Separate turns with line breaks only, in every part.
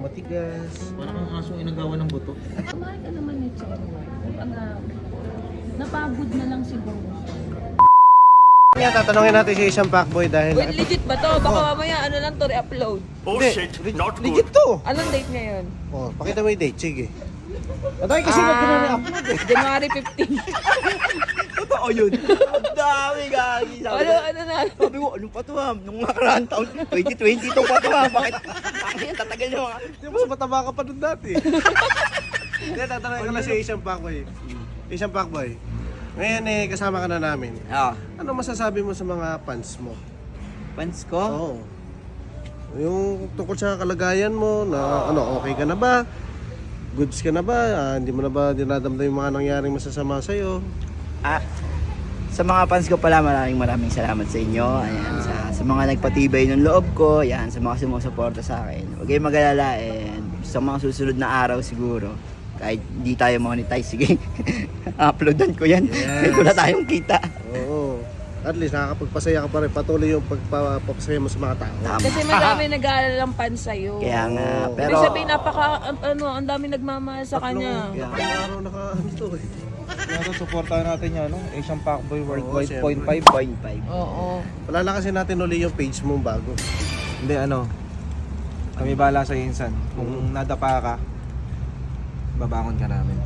matigas. Parang kang asong inagawa ng buto.
Kumain ka naman ni Chero. Kumbaga, napagod na lang siguro.
Kaya tatanungin natin si isang fuckboy dahil...
Wait, legit ba to? Baka mamaya ano lang to, re-upload.
Oh
Hindi,
shit, not good.
legit to.
Anong date ngayon?
Oh, pakita mo yung date, sige. Atay kasi na pinare-upload eh.
January 15.
Totoo yun. Ang dami gagi.
ano na?
Sabi ko, ano pa to ha? Nung nakaraan taon, 2022 pa to ha? Bakit? Tatagal nyo ha?
Di ba, mataba ka pa nun dati. Hindi, tatanungin ko na si isang fuckboy. Isang fuckboy. Ngayon eh, kasama ka na namin.
Ah,
Ano masasabi mo sa mga fans mo?
fans ko?
Oo. Yung tungkol sa kalagayan mo, na ano, okay ka na ba? Goods ka na ba? Hindi mo na ba dinadamdam yung mga nangyaring masasama sa'yo?
Ah, sa mga fans ko pala, maraming salamat sa inyo. Ayan, sa mga nagpatibay ng loob ko, ayan, sa mga sumusuporta sa akin. Huwag kayong mag-alala, and sa mga susunod na araw siguro, kahit di tayo monetize, sige, uploadan ko yan.
Yes.
Wala tayong kita.
Oo. At least nakakapagpasaya ka pa rin. Patuloy yung pagpapasaya mo sa mga tao.
Tama.
Kasi madami nag-aalala ng fans sa'yo.
Kaya nga,
Oo.
pero...
Ibig sabihin, ang dami nagmamahal sa kanya.
Tatlong araw naka-ano eh.
Kaya supportahan natin yan, no? Asian Fuckboy Worldwide
Oo,
0.5.
0.5.
Oo.
Palalakasin natin uli yung page mong bago.
Hindi, ano. Kami bala sa insan. Kung nadapa ka, babangon ka namin.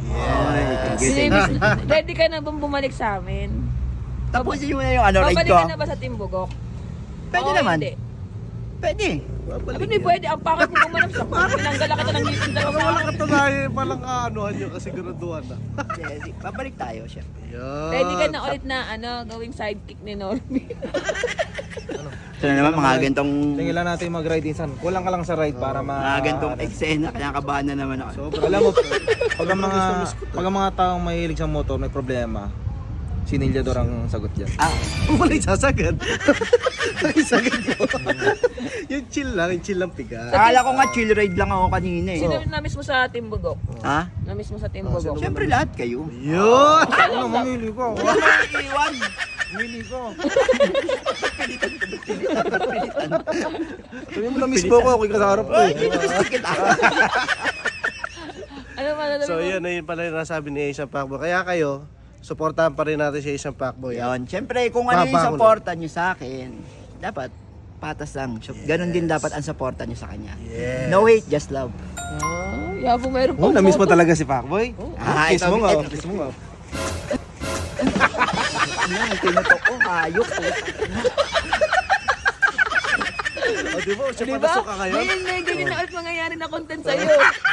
Ready ka na bang bumalik sa amin?
Tapusin mo na yung ano, ride
Babalik
ko.
ka na ba sa Timbogok?
Pwede
Oo,
naman.
Hindi.
Pwede.
Sabi ni pwede, ang pakit mo gumanap sa pinanggala ka ng ngipin dalawa sa
Wala
akin.
katunayan, palang kaanuhan nyo kasi siguraduhan na.
Yes, babalik tayo, syempre.
Yan.
Ready ka na ulit na gawing sidekick ni Normie.
Ito na naman, mga gantong...
Tingin lang natin mag-ride insan. Kulang ka lang sa ride para
Mga gantong eksena, kaya kabahan na naman ako.
Sobrang
Alam mo, pag ang mga taong mahilig sa motor may problema, sinilyador ang sagot dyan.
Ah,
wala yung sasagad. Yung sagad mo. Yung chill lang piga.
akala ko nga chill ride lang ako kanina eh.
Sino na-miss mo sa Timbogok?
Ha?
Na-miss mo sa Timbogok?
Syempre lahat kayo.
Yun!
Ano, mamili ko.
Wala nang iiwan.
Mamili ko.
Pilitan.
Sabi mo na-miss mo ko, ako'y kasarap ko
Ay,
eh.
kinamiss kita.
Ano ba
So yun, ayun pala yung nasabi ni Asian Fuckboy. Kaya kayo, supportahan pa rin natin si Asian Fuckboy.
Yun, syempre kung ano yung
Babangon.
supportan nyo sa akin, dapat patas lang. So, ganun din dapat ang supportan nyo sa kanya.
Yes.
No hate, just love.
Yabo, meron
Oh,
pang
na-miss mo
photo.
talaga si Fuckboy?
Ah,
Kiss
ito,
mo nga,
ito.
kiss mo nga.
Ano, tinutok ko, hayop.
O, di ba? Siya
Di ba?
patasok ka ngayon?
May ganyan na ulit mangyayari na content sa'yo.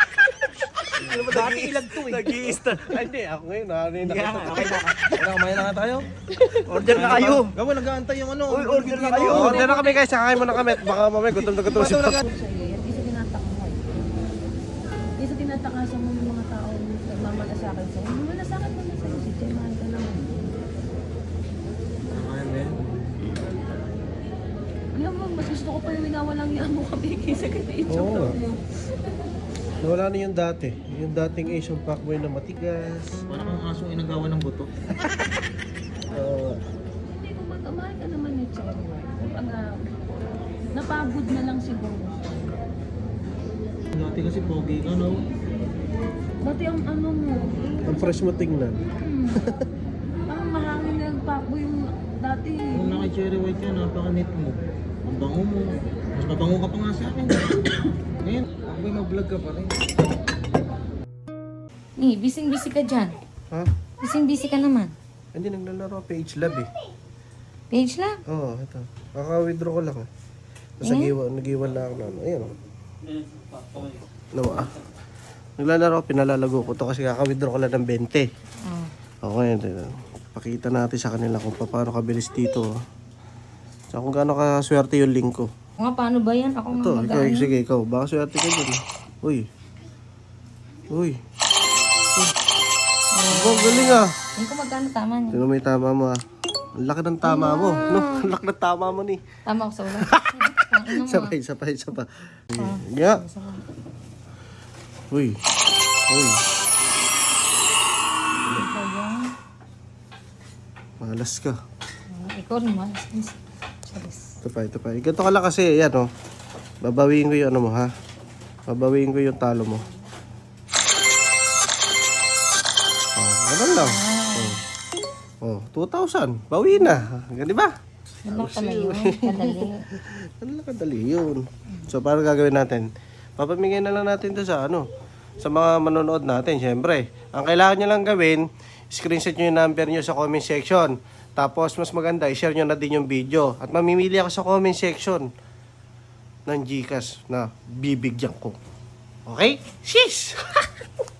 Dati ilag to eh.
Nag-i-start. Ay, hindi. Ako ngayon, ano yung
Kaya
nakita
nga,
ko.
okay na.
Wala, kumain na nga tayo.
Order na kayo.
Gawin, nag-aantay yung ano.
Uy, order na kayo.
Order na kami guys, sakain mo na kami. Baka mamaya gutom na gutom si Fuckboy.
Hindi sa tinatakot. Hindi sa tinatakasan mo yung mga tao nagmamalasakit sa'yo. Nagmamalasakit mo na sa'yo. Si Jay, mahal ka naman. Alam mo, mas gusto ko pa yung winawalang niya mo kami kaysa kay
Oo.
Ichok mo.
Nawala na yung dati. Yung dating Asian Fuckboy na matigas.
Parang kang asong inagawa ng buto.
Hindi ko mahal ka naman ni Chero. Kumbaga, napagod na lang siguro.
Dati kasi pogi ka, no?
Dati ang ano mo,
Ang fresh mo tingnan.
parang mahangin na nagpakbo yung dati.
Kung naka-cherry white ka, napaka-neat mo. Ang bango mo. Mas mabango ka pa nga sa akin. Ngayon, Fuckboy, mag-vlog ka pa rin.
Ni, bising-busy ka dyan.
Ha?
Bising-busy ka naman.
Hindi, naglalaro. Page lab eh.
Page lang.
Oo, ito. Kaka-withdraw ko lang. Tapos nag-iwan lang ako na ano. Ayan o. Ano mo ah? Naglalaro, pinalalago ko to kasi kaka-withdraw ko lang ng 20.
Oh.
Okay, pakita natin sa kanila kung paano kabilis dito. Oh. So kung gaano kaswerte yung link ko.
Nga, paano ba yan? Ako
Ito,
nga
ikaw,
mag-ano.
sige, ikaw. Baka swerte ka dyan. Uy. Uy. Oh, galing ah.
Hindi ko magkano tama niya.
Sino may tama mo ah? Ang laki ng tama mo. No, ang laki ng tama mo ni.
Tama ko sa ulo. Ang ino mo.
Sabay. Yeah. Uy. Uy.
Ikaw yan.
Malas ka.
Ikaw rin, malas. Charis.
Ito pa. Ganito ka lang kasi, yan oh. Babawiin ko yung ano mo ha. Babawiin ko yung talo mo. Ganun lang. Oh, 2,000. Bawi na. Gandi ba?
Ano pala yun? Kadali.
Ano lang kadali yun. So, paano gagawin natin? Papamigay na lang natin to sa sa mga manonood natin, syempre. Ang kailangan nyo lang gawin, screenshot nyo yung number nyo sa comment section. Tapos, mas maganda, i-share nyo na din yung video. At mamimili ako sa comment section ng Gcash na bibigyan ko. Okay? Sheesh!